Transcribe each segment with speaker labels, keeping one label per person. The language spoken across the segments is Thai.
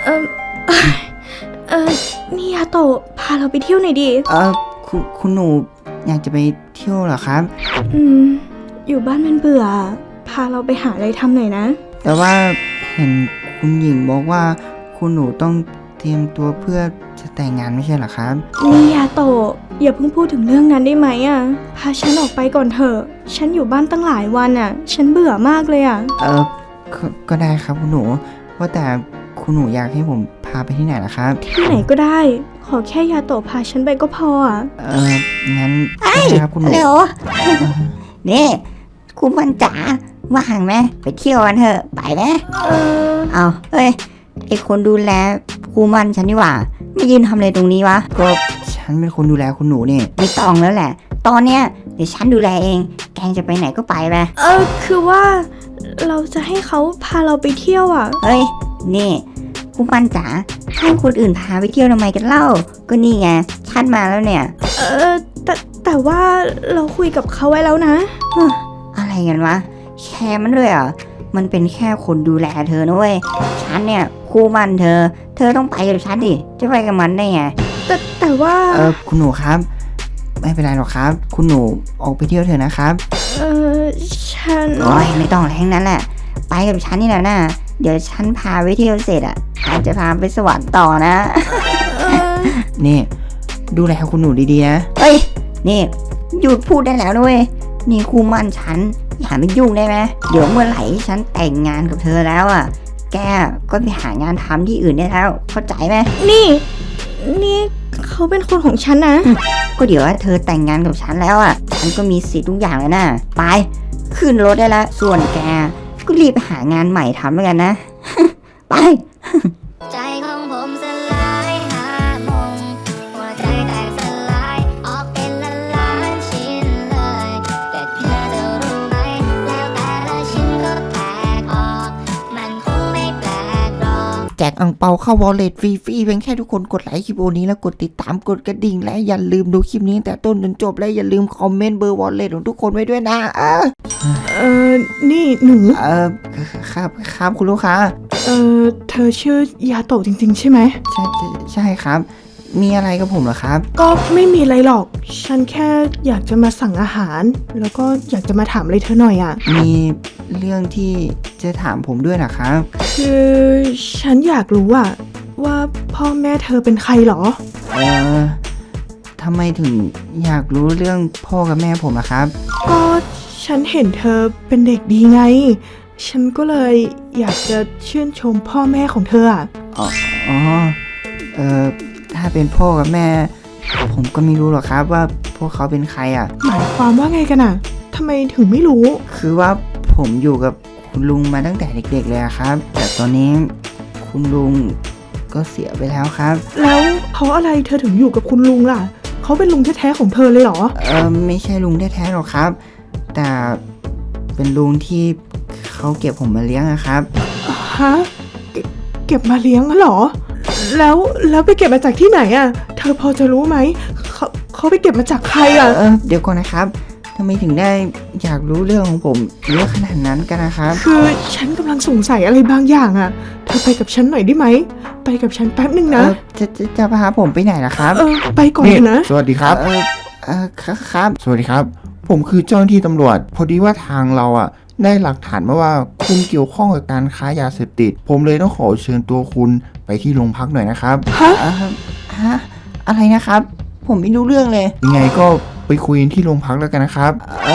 Speaker 1: เออเอ่อนี่ยาโตะพาเราไปเที่ยวหน่อยดิ
Speaker 2: คุณหนูอยากจะไปเที่ยวเหรอครับ
Speaker 1: อยู่บ้านมันเบื่อพาเราไปหาอะไรทำหน่อยนะ
Speaker 2: แต่ว่าเห็นคุณหญิงบอกว่าคุณหนูต้องเตรียมตัวเพื่อจะแต่งงานไม่ใช่เหรอครับ
Speaker 1: นี่ยาโตะอย่าเพิ่งพูดถึงเรื่องนั้นได้ไหมอ่ะพาฉันออกไปก่อนเถอะฉันอยู่บ้านตั้งหลายวันอ่ะฉันเบื่อมากเลยอ่ะ
Speaker 2: ก็ได้ครับคุณหนูว่าแต่คุณหนูอยากให้ผมพาไปที่ไหนล่ะครับ
Speaker 1: ที่ไหนก็ได้ขอแค่ยาโตะพาฉันไปก็พออ่ะ
Speaker 2: งั้นได้ครับคุณหนู
Speaker 3: เร็วนี่คุณมันจ๋าว่างไหมไปเที่ยวกันเถอะไปไหมเอาเฮ้ยไอคนดูแลครูมันฉันนี่หว่าไม่ยืนทำอะไรตรงนี้วะ
Speaker 2: ก็ฉันเป็นคนดูแลคุณหนูนี่
Speaker 3: ไม่ต้องแล้วแหละตอนเนี้ยเดี๋ยวฉันดูแลเองแกจะไปไหนก็ไปไป
Speaker 1: คือว่าเราจะให้เขาพาเราไปเที่ยวอ่ะ
Speaker 3: เฮ้ยนี่ครูมันจ๋าให้คนอื่นพาไปเที่ยวทำไมกันเล่าก็นี่ไงฉันมาแล้วเนี่ย
Speaker 1: แต่ว่าเราคุยกับเขาไว้แล้วนะ
Speaker 3: อะไรกันวะแค่มันเลยเหรอมันเป็นแค่คนดูแลเธอนะเว้ยฉันเนี่ยคู่มันเธอต้องไปกับฉันดิจะไปกับมันได้ไง
Speaker 1: แต่ว่า
Speaker 2: คุณหนูครับไม่เป็นไรหรอกครับคุณหนูออกไปเที่ยวเถอะนะครับ
Speaker 1: ฉัน
Speaker 3: โอ้ยไม่ต้องอะไรทั้งนั้นแหละไปกับฉันนี่แหละนะเดี๋ยวฉันพาไปเที่ยวเสร็จอ่ะอาจจะพาไปสวรรค์ต่อนะ
Speaker 2: นี่ดูแลคุณหนูดีๆนะ
Speaker 3: เฮ้ยนี่หยุดพูดได้แล้วด้วยนี่คู่มั่นฉันอย่าไปยุ่งได้ไหมเดี๋ยวเมื่อไหร่ฉันแต่งงานกับเธอแล้วอ่ะแกก็ไปหางานทำที่อื่นได้แล้วเข้าใจไหม
Speaker 1: นี่เขาเป็นคนของฉันนะ
Speaker 3: ก็เดี๋ยวเธอแต่งงานกับฉันแล้วอ่ะฉันก็มีสิทธิ์ทุกอย่างเลยนะไปขึ้นรถได้แล้วส่วนแกก็รีบหางานใหม่ทำแล้วกันนะไปใจของผมสลายหามงหัวใจแตกสลายออกเป็นล้านชิ้นเลยแต่เธอจะรู้ไหมแล้วแต่ละชิ้นก็แตกออกมันคงไม่แปลกหรอก
Speaker 2: แจกอั่งเปาเข้าวอลเล็ตฟรีเพียงแค่ทุกคนกดไลค์คลิปนี้แล้วกดติดตามกดกระดิ่งและอย่าลืมดูคลิปนี้แต่ต้นจนจบและอย่าลืมคอมเมนต์เบอร์วอลเล็ตของทุกคนไว้ด้วยนะ
Speaker 1: นี่หนู
Speaker 2: ครับคุณลูกค้า
Speaker 1: เธอชื่อยาโตะจริงๆใช่ไหม
Speaker 2: ใช่ครับมีอะไรกับผมเหรอครับ
Speaker 1: ก็ไม่มีอะไรหรอกฉันแค่อยากจะมาสั่งอาหารแล้วก็อยากจะมาถามอะไรเธอหน่อยอ่ะ
Speaker 2: มีเรื่องที่จะถามผมด้วยนะครับ
Speaker 1: คือฉันอยากรู้อ่ะว่าพ่อแม่เธอเป็นใครหรอ
Speaker 2: ทำไมถึงอยากรู้เรื่องพ่อกับแม่ผมล่ะครับ
Speaker 1: ก็ฉันเห็นเธอเป็นเด็กดีไงฉันก็เลยอยากจะชื่นชมพ่อแม่ของเธออ่ะ
Speaker 2: ถ้าเป็นพ่อกับแม่ผมก็ไม่รู้หรอกครับว่าพวกเขาเป็นใครอ่ะ
Speaker 1: หมายความว่าไงกันอ่ะทำไมถึงไม่รู้
Speaker 2: คือว่าผมอยู่กับคุณลุงมาตั้งแต่เด็กๆเลยครับแต่ตอนนี้คุณลุงก็เสียไปแล้วครับ
Speaker 1: แล้วเพราะอะไรเธอถึงอยู่กับคุณลุงล่ะเขาเป็นลุงแท้ๆของเธอเลยเหรอ
Speaker 2: ไม่ใช่ลุงแท้ๆหรอกครับแต่เป็นลุงที่เขาเก็บผมมาเลี้ยงนะครับ
Speaker 1: ฮะเก็บมาเลี้ยงเหรอแล้วไปเก็บมาจากที่ไหนอ่ะเธอพอจะรู้ไหมเขาไปเก็บมาจากใครอ่ะ
Speaker 2: เดี๋ยวก่อนนะครับทำไมถึงได้อยากรู้เรื่องของผมเยอะขนาดนั้นกันนะครับ
Speaker 1: คือฉันกำลังสงสัยอะไรบางอย่างอ่ะเธอไปกับฉันหน่อยได้ไหมไปกับฉันแป๊บนึงนะ
Speaker 2: จะพาผมไปไหนล่ะครับ
Speaker 1: ไปก่อนนะ
Speaker 4: สวัสดีครับ
Speaker 2: ครับ
Speaker 4: สวัสดีครับผมคือเจ้าหน้าที่ตำรวจพอดีว่าทางเราอ่ะได้หลักฐานมาว่าคุณเกี่ยวข้องกับการค้ายาเสพติดผมเลยต้องขอเชิญตัวคุณไปที่โรงพักหน่อยนะครับ
Speaker 2: ฮะอะไรนะครับผมไม่รู้เรื่องเลย
Speaker 4: ยังไงก็ไปคุยที่โรงพักแล้วกันนะครับ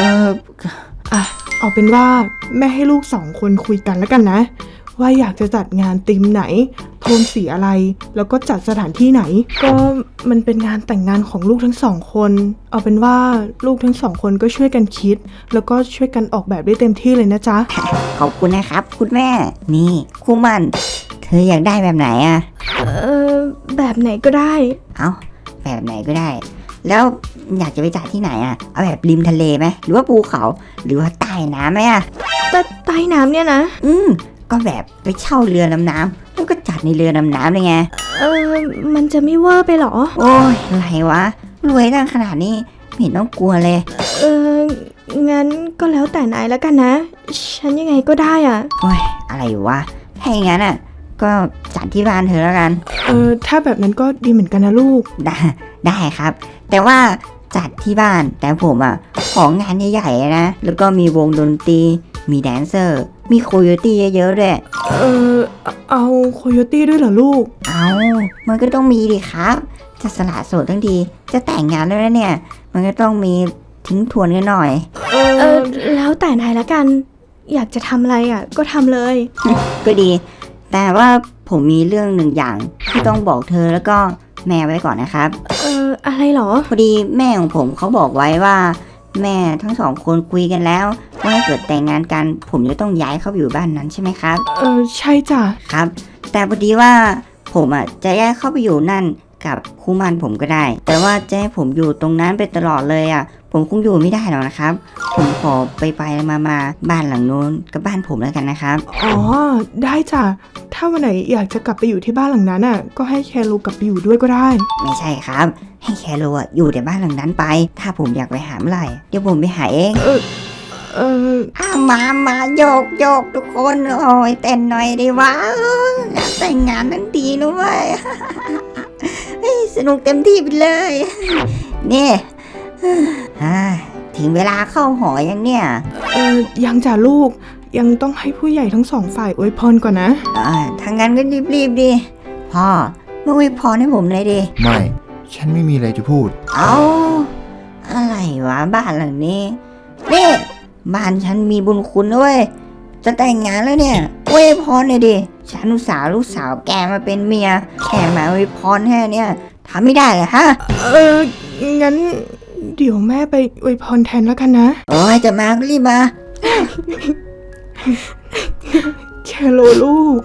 Speaker 1: เอาเป็นว่าแม่ให้ลูก2 คนคุยกันแล้วกันนะว่าอยากจะจัดงานธีมไหนโทนสีอะไรแล้วก็จัดสถานที่ไหนก็มันเป็นงานแต่งงานของลูกทั้ง2 คนเอาเป็นว่าลูกทั้ง2 คนก็ช่วยกันคิดแล้วก็ช่วยกันออกแบบได้เต็มที่เลยนะจ๊ะ
Speaker 3: ขอบคุณนะครับคุณแม่นี่คู่มันเธออยากได้แบบไหนอ่ะ
Speaker 1: แบบไหนก็ได้
Speaker 3: เอาแบบไหนก็ได้แล้วอยากจะไปจัดที่ไหนอ่ะเอาแบบริมทะเลไหมหรือว่าภูเขาหรือว่าใต้น้ำไหมอ่ะ
Speaker 1: ใต้น้ำเนี่ยนะ
Speaker 3: ก็แบบไปเช่าเรือดำน้ำแล้วก็จัดในเรือดำน้ำเลยไง
Speaker 1: มันจะไม่เวอร์ไปหรอ
Speaker 3: โอ้ยอะไรวะรวยตั้งขนาดนี้ไม่เห็นต้องกลัวเลย
Speaker 1: งั้นก็แล้วแต่นายแล้วกันนะฉันยังไงก็ได้อ่ะ
Speaker 3: โอ้ยอะไรวะถ้าอย่างนั้นอ่ะก็จัดที่บ้านเธอแล้วกัน
Speaker 1: ถ้าแบบนั้นก็ดีเหมือนกันนะลูก
Speaker 3: ได้ครับ แต่ว่าจัดที่บ้านแต่ผมของงานใหญ่ๆนะแล้วก็มีวงดนตรีมีแดนเซอร์มีโคโยตี้เยอะๆด้วย
Speaker 1: เอาโคโยตี้ด้วยเหรอลูก
Speaker 3: มันก็ต้องมีดิครับจะสละโสดทั้งทีจะแต่งงานแล้วนะเนี่ยมันก็ต้องมีทิ้งทวนกันหน่อย
Speaker 5: แล้วแต่นายละกัน อยากจะทำอะไรก็ทำเลย
Speaker 3: ก็ดี แต่ว่าผมมีเรื่องหนึ่งอย่างที่ต้องบอกเธอแล้วก็แม่ไว้ก่อนนะครับ
Speaker 5: อะไรเหรอ
Speaker 3: พอดีแม่ของผมเขาบอกไว้ว่า แม่ทั้งสองคนคุยกันแล้วว่าถ้าเกิดแต่งงานกันผมจะต้องย้ายเข้าไปอยู่บ้านนั้นใช่ไหมครับ
Speaker 1: ใช่จ้ะ
Speaker 3: ครับ แต่พอดีว่าผมจะย้ายเข้าไปอยู่นั่นกับคู่หมั่นผมก็ได้ แต่ว่าจะให้ผมอยู่ตรงนั้นไปตลอดเลยผมคงอยู่ไม่ได้หรอกนะครับ ผมขอไปมาบ้านหลังนู้นกับบ้านผมแล้วกันนะครับ
Speaker 1: อ๋อ ได้จ้ะ ถ้าวันไหนอยากจะกลับไปอยู่ที่บ้านหลังนั้นก็ให้แคโรกลับไปอยู่ด้วยก็ได้
Speaker 3: ไม่ใช่ครับ ให้แคโรอยู่แต่บ้านหลังนั้นไป ถ้าผมอยากไปหาเมื่อไหร่เดี๋ยวผมไปหาเองมาโยกทุกคนโอ้ยเต้นหน่อยดิวะอยากแต่งงานทั้งทีนะเว้ย สนุกเต็มที่ไปเลยนี่ถึงเวลาเข้าหอยังเนี่ย
Speaker 1: ยังจ้ะลูก ยังต้องให้ผู้ใหญ่ทั้งสองฝ่ายอวยพรก่อนนะ
Speaker 3: ทางนั้นก็รีบดิพ่อมาอวยพรให้ผมเลยดิ
Speaker 4: ไม่ ฉันไม่มีอะไรจะพูด
Speaker 3: เอาอะไรวะบ้านหลังนี้นี่บ้านฉันมีบุญคุณด้วยจะแต่งงานแล้วเนี่ยอวยพรเลยดิฉันอุตส่าห์ลูกสาวแกมาเป็นเมียแค่มาอวยพรแค่เนี่ยทำไม่ได้เหรอฮะ
Speaker 1: งั้นเดี๋ยวแม่ไปอวยพรแทนแล้วกันนะ
Speaker 3: โอ้ยจะมาก็รีบมา
Speaker 1: แคโรลูก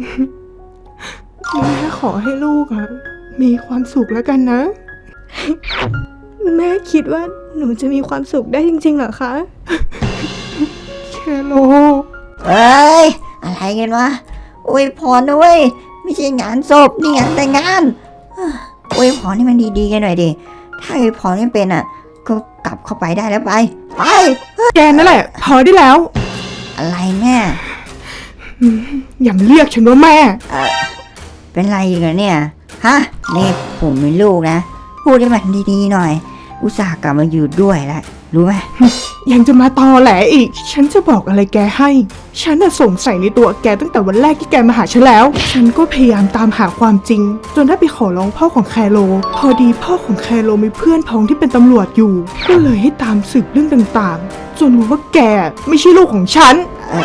Speaker 1: แม่ขอให้ลูกมีความสุขแล้วกันนะ
Speaker 5: แม่คิดว่าหนูจะมีความสุขได้จริงๆเหรอคะ
Speaker 1: แคโร
Speaker 3: เอ้ยอะไรกันวะอวยพรนะเว้ยไม่ใช่งานศพนี่งานแต่งงานอวยพรให้มันดีๆกันหน่อยดิถ้าอวยพรไม่เป็นก็กลับเข้าไปได้แล้วไป
Speaker 1: แกนั่นแหละ พอได้แล้ว
Speaker 3: อะไรแม่
Speaker 1: อย่ามาเรียกฉันว่าแม่
Speaker 3: เป็นไรอีกเหรอเนี่ยฮะนี่ผมเป็นลูกนะพูดให้มันดีๆหน่อย อุตส่าห์กลับมาอยู่ด้วยแล้วรู้ไหม
Speaker 1: ยังจะมาตอแหลอีก ฉันจะบอกอะไรแกให้ ฉันสงสัยในตัวแกตั้งแต่วันแรกที่แกมาหาฉันแล้ว ฉันก็พยายามตามหาความจริง จนได้ไปขอร้องพ่อของแคโร พอดีพ่อของแคโรมีเพื่อนพ้องที่เป็นตำรวจอยู่ ก็เลยให้ตามสืบเรื่องต่างๆ จนรู้ว่าแกไม่ใช่ลูกของฉัน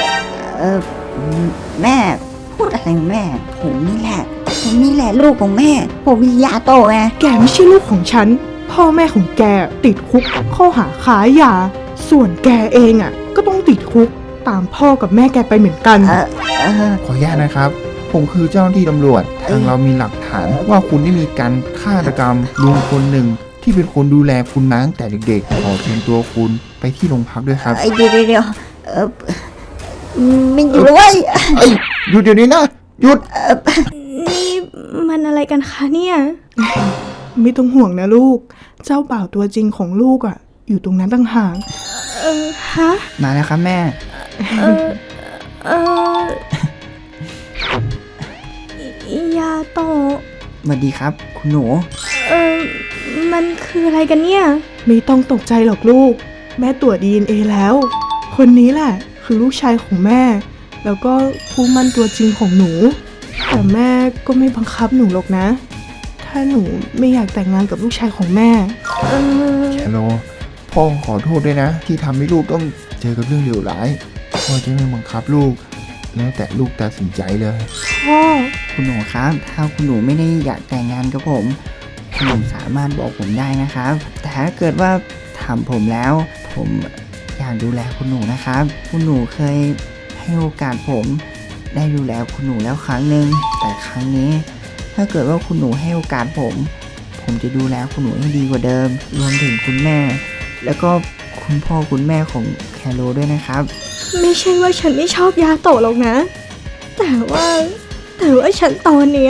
Speaker 3: แม่พูดอะไรของแม่ผมนี่แหละลูกของแม่ ผมมียาโตไง
Speaker 1: แกไม่ใช่ลูกของฉัน พ่อแม่ของแกติดคุกข้อหาค้ายา ส่วนแกเองก็ต้องติดคุกตามพ่อกับแม่แกไปเหมือนกัน
Speaker 4: ขออนุญาตนะครับ ผมคือเจ้าหน้าที่ตำรวจ ทางเรามีหลักฐานว่าคุณได้มีการฆาตกรรมลุงคนหนึ่งที่เป็นคนดูแลคุณมาตั้งแต่เด็กๆ ขอเชิญตัวคุณไปที่โรงพักด้วยครับ
Speaker 3: เดี๋ยวไม่อยู่เลย
Speaker 4: หยุดเดี๋ยวนี้นะหยุด
Speaker 5: นี่มันอะไรกันคะเนี่ย
Speaker 1: ไม่ต้องห่วงนะลูก เจ้าบ่าวตัวจริงของลูกอยู่ตรงนั้นต่างหาก
Speaker 5: ฮะ
Speaker 2: มาแล้วครับแม่
Speaker 5: ยาโตะ
Speaker 2: สวัสดีครับ คุณหนู
Speaker 5: มันคืออะไรกันเนี่ย
Speaker 1: ไม่ต้องตกใจหรอกลูก แม่ตรวจ DNA แล้ว คนนี้แหละคือลูกชายของแม่ แล้วก็คู่หมั่นตัวจริงของหนู แต่แม่ก็ไม่บังคับหนูหรอกนะ ถ้าหนูไม่อยากแต่งงานกับลูกชายของแม่
Speaker 4: แคโรพ่อขอโทษด้วยนะ ที่ทำให้ลูกต้องเจอกับเรื่องเลวร้ายพ่อจะไม่บังคับลูก แล้วแต่ลูกตัดสินใจเลย
Speaker 1: พ่อ
Speaker 2: คุณหนูครับ ถ้าคุณหนูไม่ได้อยากแต่งงานกับผม คุณหนูสามารถบอกผมได้นะครับ แต่ถ้าเกิดว่าถามผมแล้ว ผมอยากดูแลคุณหนูนะครับ คุณหนูเคยให้โอกาสผมได้ดูแลคุณหนูแล้วครั้งหนึ่งแต่ครั้งนี้ ถ้าเกิดว่าคุณหนูให้โอกาสผมจะดูแลคุณหนูให้ดีกว่าเดิม รวมถึงคุณแม่ แล้วก็คุณพ่อคุณแม่ของแคโรด้วยนะครับ
Speaker 5: ไม่ใช่ว่าฉันไม่ชอบยาโตะหรอกนะ แต่ว่าฉันตอนเนี้ย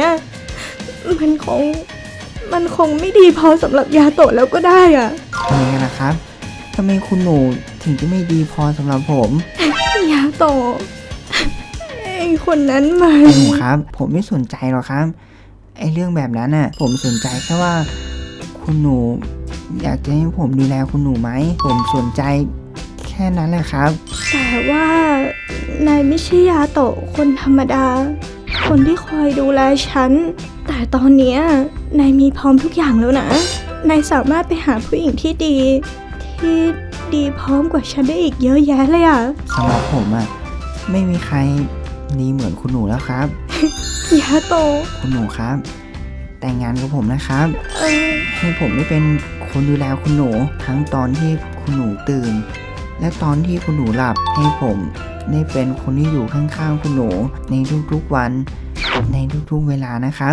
Speaker 5: มันคงไม่ดีพอสำหรับยาโตะแล้วก็ได้อะ
Speaker 2: ทำไมกันนะครับทำไมคุณหนูถึงจะไม่ดีพอสำหรับผม
Speaker 5: ยาโตะเองคนนั้นมั
Speaker 2: คุ
Speaker 5: น
Speaker 2: ณหนูครับ ผมไม่สนใจหรอกครับไอ้เรื่องแบบนั้นน่ะ ผมสนใจแค่ว่า คุณหนูอยากจะให้ผมดูแลคุณหนูไหมผมสนใจแค่นั้นแหละครับ
Speaker 5: แต่ว่านายไม่ใช่ยาโตะคนธรรมดา คนที่คอยดูแลฉัน แต่ตอนเนี้ยนายมีพร้อมทุกอย่างแล้วนะ นายสามารถไปหาผู้หญิงที่ดีพร้อมกว่าฉันได้อีกเยอะแยะเลยอ่ะ
Speaker 2: สำหรับผมอ่ะไม่มีใครดีเหมือนคุณหนูแล้วครับ
Speaker 5: ยาโตะ
Speaker 2: คุณหนูครับ แต่งงานกับผมนะครับ
Speaker 5: เออ
Speaker 2: ให้ผมได้เป็นคนดูแลคุณหนู ทั้งตอนที่คุณหนูตื่น และตอนที่คุณหนูหลับ ให้ผมได้เป็นคนที่อยู่ข้างๆคุณหนูในทุกๆวัน ในทุกๆเวลานะครับ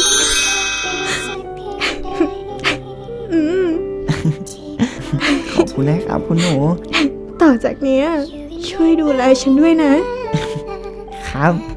Speaker 5: อืม
Speaker 2: ขอบคุณนะครับคุณหนู
Speaker 5: ต่อจากเนี้ยช่วยดูแลฉันด้วยนะ
Speaker 2: ครับ